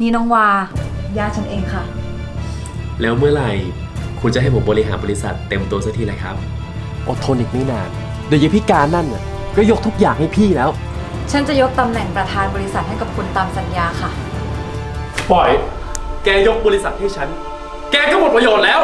นี่น้องวาญาติฉันเองค่ะแล้วเมื่อไหร่คุณจะให้ผมบริหารบริษัทเต็มตัวสักทีเลยครับอดทนอีกไม่นานเดี๋ยวยายพิการนั่นน่ะก็ยกทุกอย่างให้พี่แล้วฉันจะยกตำแหน่งประธานบริษัทให้กับคุณตามสัญญาค่ะปล่อย แกยกบริษัทให้ฉัน แกก็หมดประโยชน์แล้ว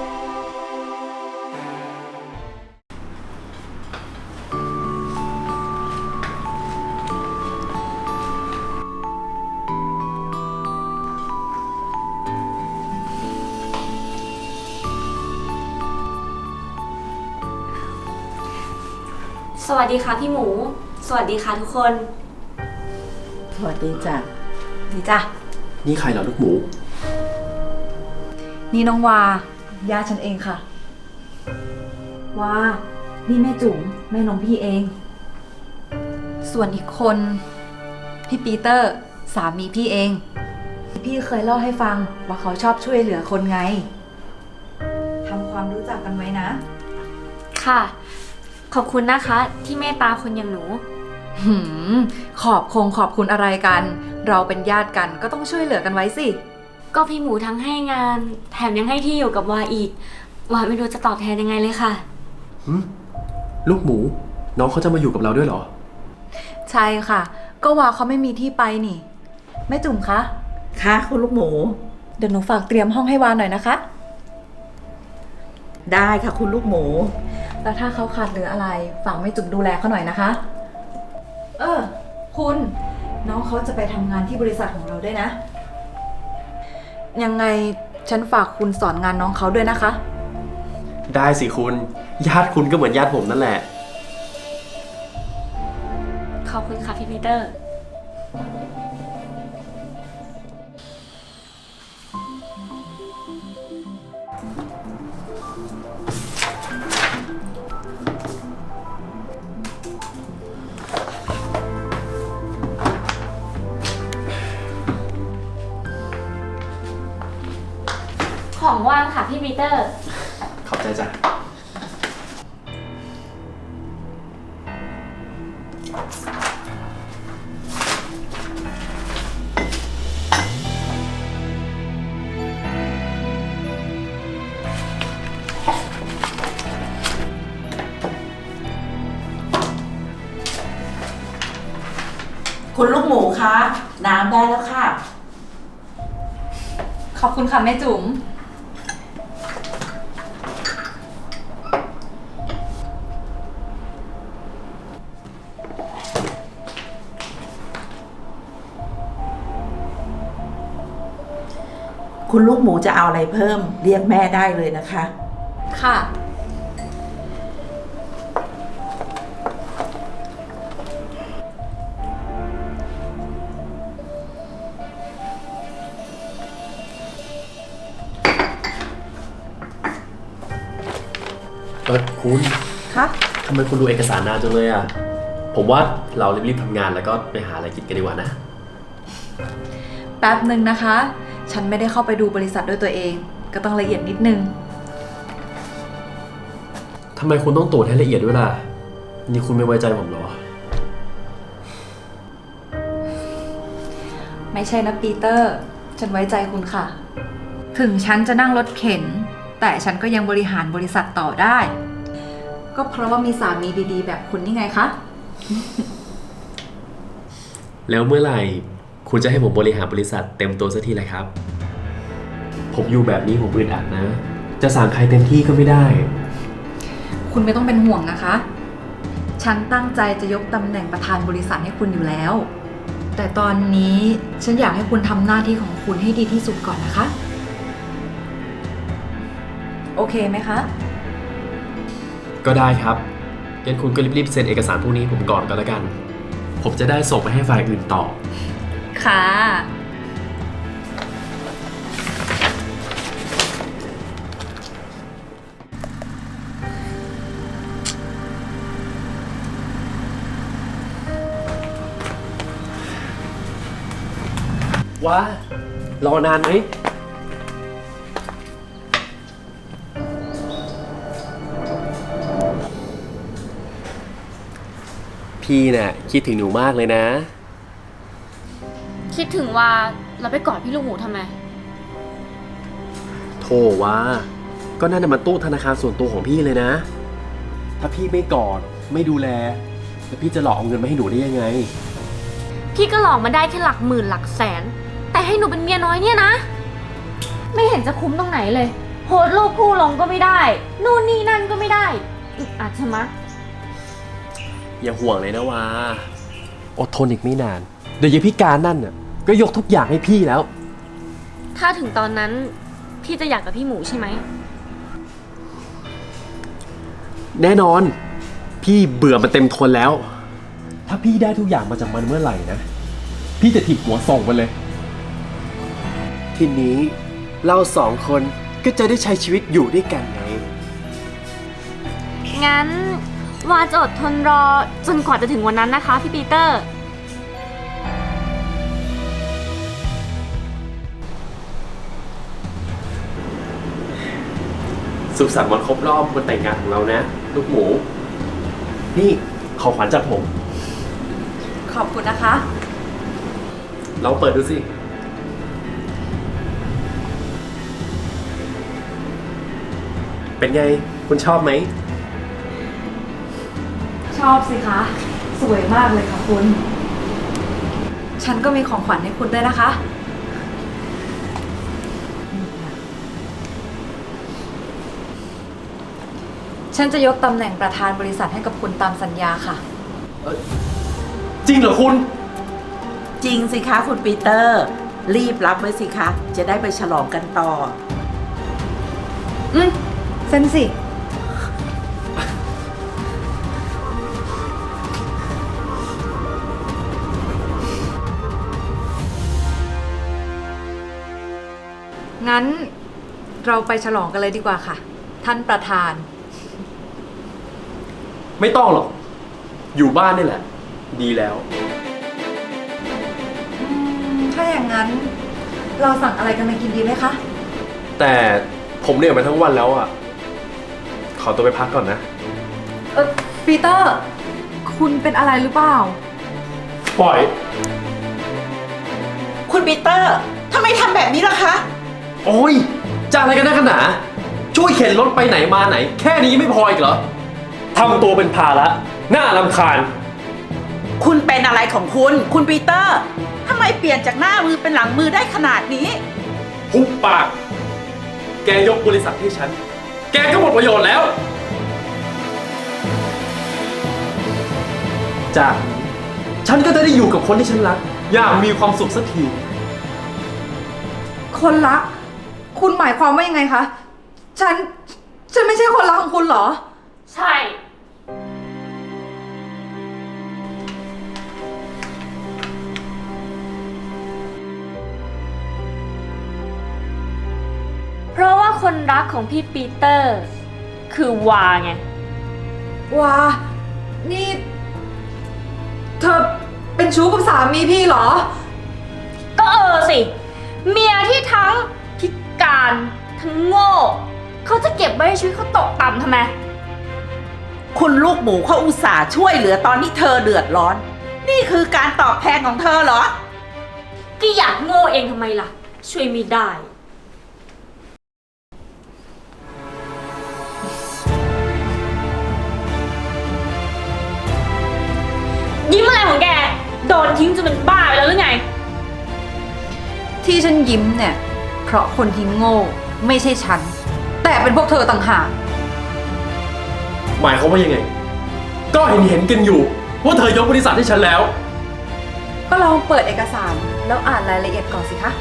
สวัสดีค่ะพี่หมู สวัสดีค่ะทุกคนสวัสดีจ้ะนี่จ้ะนี่ใครเหรอลูกหมูนี่น้องวาญาติฉันเองค่ะวานี่แม่จุ๋มแม่น้องพี่เอง ส่วนอีกคนพี่ปีเตอร์สามีพี่เอง พี่เคยเล่าให้ฟังว่าเขาชอบช่วยเหลือคนไงทำความรู้จักกันไว้นะค่ะ ขอบคุณนะคะที่เมตตาคนอย่างหนูหืมขอบคุณอะไรกัน เราเป็นญาติกันก็ต้องช่วยเหลือกันไว้สิก็พี่หมูทั้งให้งาน แถมยังให้ที่อยู่กับวาอีก วาไม่รู้จะตอบแทนยังไงเลยค่ะลูกหมู น้องเขาจะมาอยู่กับเราด้วยเหรอใช่ค่ะ ก็ว่าเขาไม่มีที่ไปนี่แม่จุ๋มคะค่ะคุณลูกหมูเดี๋ยวหนูฝากเตรียมห้องให้วาหน่อยนะคะได้ค่ะคุณลูกหมูแล้วถ้าเขาขาดเหลืออะไรฝากแม่จุ๋มดูแลเขาหน่อยนะคะ คุณน้องเขาจะไปทำงานที่บริษัทของเราด้วยนะ ยังไงฉันฝากคุณสอนงานน้องเขาด้วยนะคะได้สิคุณ ญาติคุณก็เหมือนญาติผมนั่นแหละขอบคุณค่ะพี่ปีเตอร์ ของว่างค่ะพี่ปีเตอร์ขอบใจจ้ะคุณลูกหมูคะน้ำได้แล้วค่ะขอบคุณค่ะแม่จุ๋มคุณลูกหมูจะเอาอะไรเพิ่มเรียกแม่ได้เลยนะคะค่ะคุณคะทำไมคุณดูเอกสารนานจังเลยอ่ะ ผมว่าเรารีบๆทำงานแล้วก็ไปหาอะไรกินกันดีกว่านะแป๊บหนึ่งนะคะ ฉันไม่ได้เข้าไปดูบริษัทด้วยตัวเอง ก็ต้องละเอียดนิดนึงทำไมคุณต้องตรวจให้ละเอียดด้วยล่ะ นี่คุณไม่ไว้ใจผมเหรอไม่ใช่นะปีเตอร์ ฉันไว้ใจคุณค่ะ ถึงฉันจะนั่งรถเข็น แต่ฉันก็ยังบริหารบริษัทต่อได้ ก็เพราะว่ามีสามีดีๆ แบบคุณนี่ไงคะแล้วเมื่อไหร่คุณจะให้ผมบริหารบริษัทเต็มตัวสักทีเลยครับ ผมอยู่แบบนี้ผมอึดอัดนะ จะสั่งใครเต็มที่ก็ไม่ได้คุณไม่ต้องเป็นห่วงนะคะ ฉันตั้งใจจะยกตำแหน่งประธานบริษัทให้คุณอยู่แล้ว แต่ตอนนี้ฉันอยากให้คุณทำหน้าที่ของคุณให้ดีที่สุดก่อนนะคะ โอเคไหมคะก็ได้ครับ งั้นคุณก็รีบๆเซ็นเอกสารพวกนี้ผมก่อนก็แล้วกัน ผมจะได้ส่งไปให้ฝ่ายอื่นต่อค่ะว่า รอนานไหม พี่น่ะคิดถึงหนูมากเลยนะคิดถึงว่าแล้วไปกอดพี่ลูกหมูทำไมโธ่ว่าก็นั่นน่ะมันตู้ธนาคารส่วนตัวของพี่เลยนะ ถ้าพี่ไม่กอดไม่ดูแลแล้วพี่จะหลอกเอาเงินมาให้หนูได้ยังไงพี่ก็หลอกมาได้แค่หลักหมื่นหลักแสน แต่ให้หนูเป็นเมียน้อยเนี่ยนะ ไม่เห็นจะคุ้มตรงไหนเลยโพสต์รูปคู่ลงก็ไม่ได้ นู่นนี่นั่นก็ไม่ได้อึดอัดใช่ไหมะอย่าห่วงเลยนะว่าอดทนอีกไม่นาน เดี๋ยวยายพิการนั่นน่ะก็ยกทุกอย่างให้พี่แล้วถ้าถึงตอนนั้นพี่จะอยากกับพี่หมูใช่ไหมแน่นอน พี่เบื่อมันเต็มทนแล้ว ถ้าพี่ได้ทุกอย่างมาจากมันเมื่อไหร่นะ พี่จะถีบหัวส่งมันเลย ทีนี้เราสองคนก็จะได้ใช้ชีวิตอยู่ด้วยกันไงงั้นวาจะอดทนรอจนกว่าจะถึงวันนั้นนะคะพี่ปีเตอร์สุขสันต์วันครบรอบวันแต่งงานของเรานะ ลูกหมู นี่ของขวัญจากผมขอบคุณนะคะลองเปิดดูสิ เป็นไง คุณชอบไหมชอบสิคะ สวยมากเลยค่ะคุณ ฉันก็มีของขวัญให้คุณด้วยนะคะ ฉันจะยกตำแหน่งประธานบริษัทให้กับคุณตามสัญญาค่ะจริงเหรอคุณจริงสิคะคุณปีเตอร์ รีบรับไว้สิคะ จะได้ไปฉลองกันต่อเซ็นสิ งั้นเราไปฉลองกันเลยดีกว่าค่ะ ท่านประธานไม่ต้องหรอก อยู่บ้านนี่แหละ ดีแล้วถ้าอย่างนั้นเราสั่งอะไรกันมากินดีไหมคะแต่ผมเหนื่อยมาทั้งวันแล้วอ่ะ ขอตัวไปพักก่อนนะปีเตอร์ คุณเป็นอะไรหรือเปล่าปล่อยคุณปีเตอร์ทำไมทำแบบนี้ล่ะคะโอ้ยจะอะไรกันนักกันหนาช่วยเข็นรถไปไหนมาไหน แค่นี้ไม่พออีกเหรอทำตัวเป็นภาระน่ารำคาญคุณเป็นอะไรของคุณปีเตอร์ทำไมเปลี่ยนจากหน้ามือเป็นหลังมือได้ขนาดนี้หุบปาก แกยกบริษัทให้ฉัน แกก็หมดประโยชน์แล้ว จากนี้ฉันก็จะได้อยู่กับคนที่ฉันรัก อย่างมีความสุขสักทีคนรัก คุณหมายความว่ายังไงคะ ฉันไม่ใช่คนรักของคุณเหรอใช่ เพราะว่าคนรักของพี่ปีเตอร์ คือวาไงว้า นี่ เธอเป็นชู้กับสามีพี่เหรอก็สิ เมียที่ทั้งพิการทั้งโง่ เขาจะเก็บไว้ให้ชีวิตเขาตกต่ำทำไมคุณลูกหมูเขาอุตส่าห์ช่วยเหลือตอนที่เธอเดือดร้อน นี่คือการตอบแทนของเธอเหรอก็อยากโง่เองทำไมล่ะ ช่วยไม่ได้ ยิ้มอะไรของแก โดนทิ้งจนเป็นบ้าไปแล้วหรือไงที่ฉันยิ้มเนี่ย เพราะคนที่โง่ไม่ใช่ฉัน แต่เป็นพวกเธอต่างหากหมายความว่ายังไง ก็เห็นกันอยู่ ว่าเธอยกบริษัทให้ฉันแล้วก็ลองเปิดเอกสารแล้วอ่านรายละเอียดก่อนสิคะ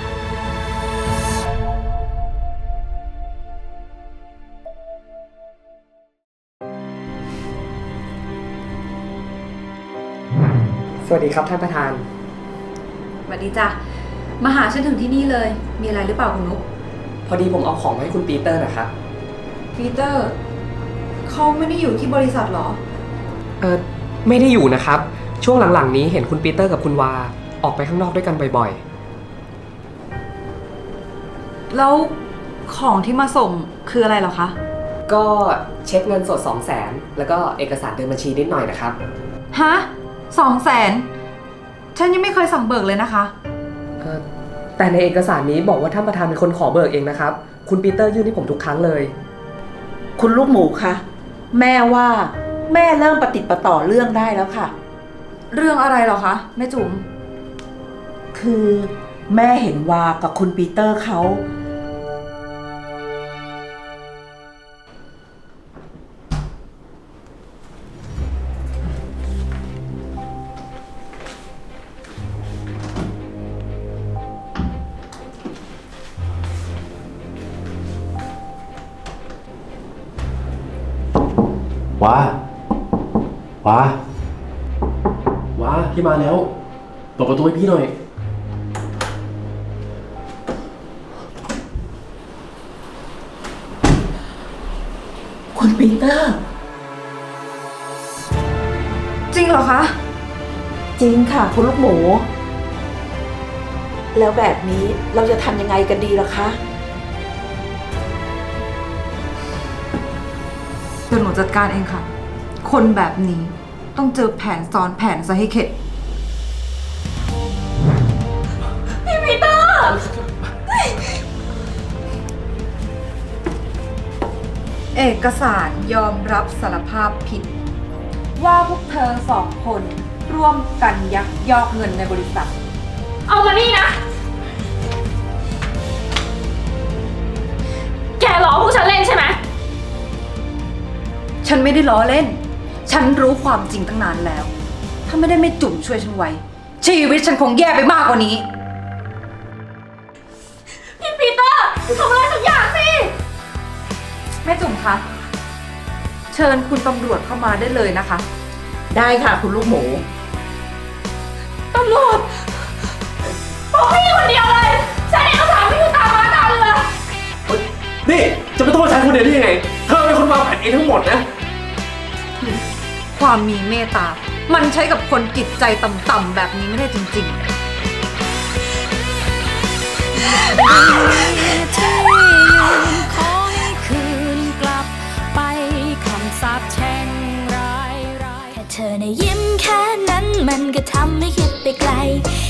สวัสดีครับท่านประธานสวัสดีจ้ะ มาหาฉันถึงที่นี่เลย มีอะไรหรือเปล่าคุณนุ๊กพอดีผมเอาของมาให้คุณปีเตอร์นะครับปีเตอร์ เขาไม่ได้อยู่ที่บริษัทเหรอไม่ได้อยู่นะครับ ช่วงหลังๆนี้เห็นคุณปีเตอร์กับคุณวาออกไปข้างนอกด้วยกันบ่อยแล้วของที่มาส่งคืออะไรเหรอคะๆ ก็เช็คเงินสด 200,000แล้วก็เอกสารเดินบัญชีนิดหน่อยนะครับฮะ200,000 ฉันยังไม่เคยสั่งเบิกเลยนะคะเอ่อแต่ในเอกสารนี้บอกว่าท่านประธานเป็นคนขอเบิกเองนะครับ คุณปีเตอร์ยื่นให้ผมทุกครั้งเลยคุณลูกหมูคะแม่ว่าแม่เริ่มปฏิดประต่อเรื่องได้แล้วค่ะเรื่องอะไรเหรอคะแม่จุ๋มคือแม่เห็นวากับคุณปีเตอร์เขาว้า ว้า ว้า พี่มาแล้วเปิดประตูให้พี่หน่อยคุณปีเตอร์จริงเหรอคะจริงค่ะ คุณลูกหมู แล้วแบบนี้เราจะทำยังไงกันดีล่ะคะเดี๋ยวหนูจัดการเองค่ะ คนแบบนี้ต้องเจอแผนซ้อนแผนซะให้เข็ด พี่ปีเตอร์ เอกสารยอมรับสารภาพผิด ว่าพวกเธอสองคนร่วมกันยักยอกเงินในบริษัทเอามานี่นะ แกล้อพวกฉันเล่นใช่ไหมฉันไม่ได้ล้อเล่น ฉันรู้ความจริงตั้งนานแล้ว ถ้าไม่ได้แม่จุ๋มช่วยฉันไว้ ชีวิตฉันคงแย่ไปมากกว่านี้พี่ปีเตอร์ทำอะไรสักอย่างสิแม่จุ๋มคะ เชิญคุณตำรวจเข้ามาได้เลยนะคะได้ค่ะคุณลูกหมูตำรวจบอกพี่คนเดียวเลย ฉันเอกสารไม่อยู่ตามมาตามเรือนี่จะไปโทษฉันคนเดียวได้ยังไง เธอเป็นคนวางแผนเองทั้งหมดนะความมีเมตตา มันใช้กับคนจิตใจต่ำๆแบบนี้ไม่ได้จริงๆที่ยืนขอให้คืนกลับไปคำสาปแช่งร้ายแค่เธอในะยิ้มแค่นั้นมันก็ทำให้คิดไปไกล